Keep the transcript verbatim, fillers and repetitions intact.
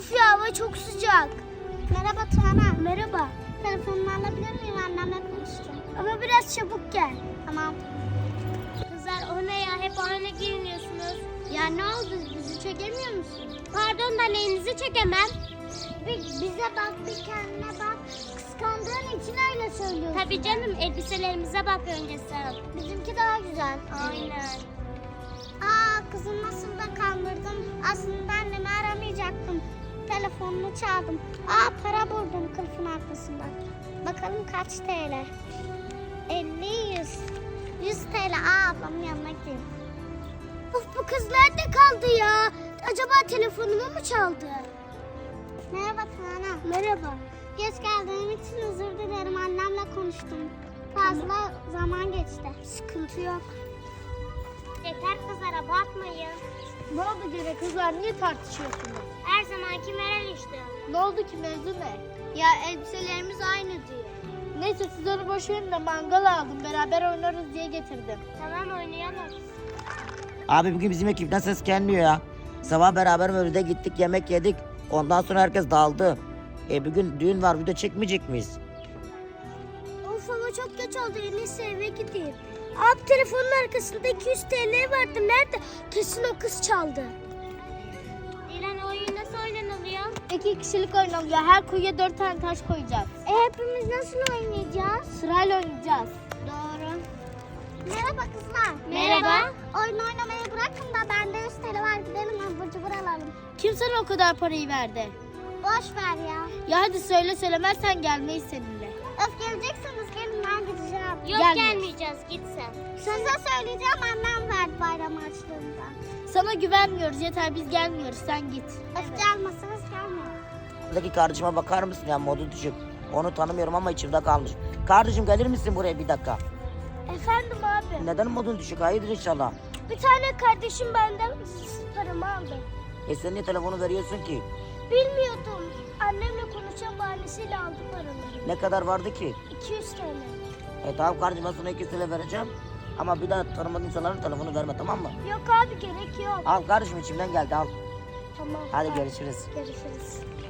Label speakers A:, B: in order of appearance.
A: Üf ya, hava çok sıcak.
B: Merhaba Tuana.
A: Merhaba.
B: Telefonumu alabilir miyim? Annemle konuşacağım.
A: Ama biraz çabuk gel.
B: Tamam.
A: Kızlar o ne ya? Hep aynı giyiniyorsunuz.
B: Ya ne oldu? Bizi çekemiyor musun?
A: Pardon da neyinizi çekemem.
B: Bir bize bak, bir kendine bak. Kıskandığın için öyle söylüyorsun.
A: Tabii canım, elbiselerimize bak önce sen.
B: Bizimki daha güzel.
A: Aynen.
B: Aa kızım, nasıl da kandırdım. Aslında annemi aramayacaktım. Telefonunu çaldım. Aa para buldum kılıfın arkasında. Bakalım kaç T L? elli, yüz. yüz T L. Aa ablamın yanına gideyim.
A: Of, bu kız nerede kaldı ya? Acaba telefonumu mu çaldı?
B: Merhaba Tuana.
A: Merhaba.
B: Geç geldiğim için özür dilerim. Annemle konuştum. Fazla zaman geçti.
A: Sıkıntı yok.
B: Yeter kızlar, abartmayın.
C: Ne oldu gene kızlar, niye tartışıyorsunuz?
A: Her zamanki Meral işte.
C: Ne oldu ki, mevzu ne?
B: Ya elbiselerimiz aynı diyor.
C: Neyse siz onu boş verin de mangal aldım, beraber oynarız diye getirdim.
A: Tamam, oynayalım.
D: Abi bugün bizim ekipten ses gelmiyor ya. Sabah beraber Mevlüt'e gittik, yemek yedik. Ondan sonra herkes dağıldı. E bugün düğün var, video çekmeyecek miyiz?
A: Of, hava çok geç oldu. En iyisi eve gideyim. Abi, telefonun arkasında iki yüz T L vardı. Nerede? Kesin o kız çaldı. Dilan, oyun nasıl oynanılıyor?
C: İki kişilik oynanıyor, her kuyuya dört tane taş koyacağız.
B: E hepimiz nasıl oynayacağız?
C: Sırayla oynayacağız.
B: Doğru. Merhaba kızlar.
A: Merhaba.
B: Oyun oynamayı bırakın da bende yüz T L var, gidelim abur cubur alalım.
C: Kim sana o kadar parayı verdi?
B: Boş ver ya.
C: Ya hadi söyle, söylemezsen gelmeyiz seninle.
B: Öf, gelecekseniz gelin, ben gideceğim.
A: Yok,
C: Gelme.
A: gelmeyeceğiz. Git sen.
B: Size söyleyeceğim, annem verdi bayram harçlığında.
C: Sana güvenmiyoruz, yeter biz gelmiyoruz, sen git.
B: Öf, gelmezseniz gelmeyin.
D: Buradaki kardeşime bakar mısın ya, modu düşük. Onu tanımıyorum ama içimde kalmış. Kardeşim gelir misin buraya bir dakika?
A: Efendim abi.
D: Neden modun düşük? Hayırdır inşallah.
A: Bir tane kardeşim benden paramı aldı.
D: E sen niye telefonu veriyorsun ki?
A: Bilmiyordum. Annemle konuşan bahanesiyle aldı paraları.
D: Ne kadar vardı ki?
A: iki yüz T L.
D: E tamam kardeşim, ben sana iki yüz lira vereceğim. Ama bir daha tanımadığın insanların telefonu verme, tamam mı?
A: Yok abi, gerek yok.
D: Al kardeşim, içimden geldi, al.
A: Tamam.
D: Hadi görüşürüz.
A: Görüşürüz.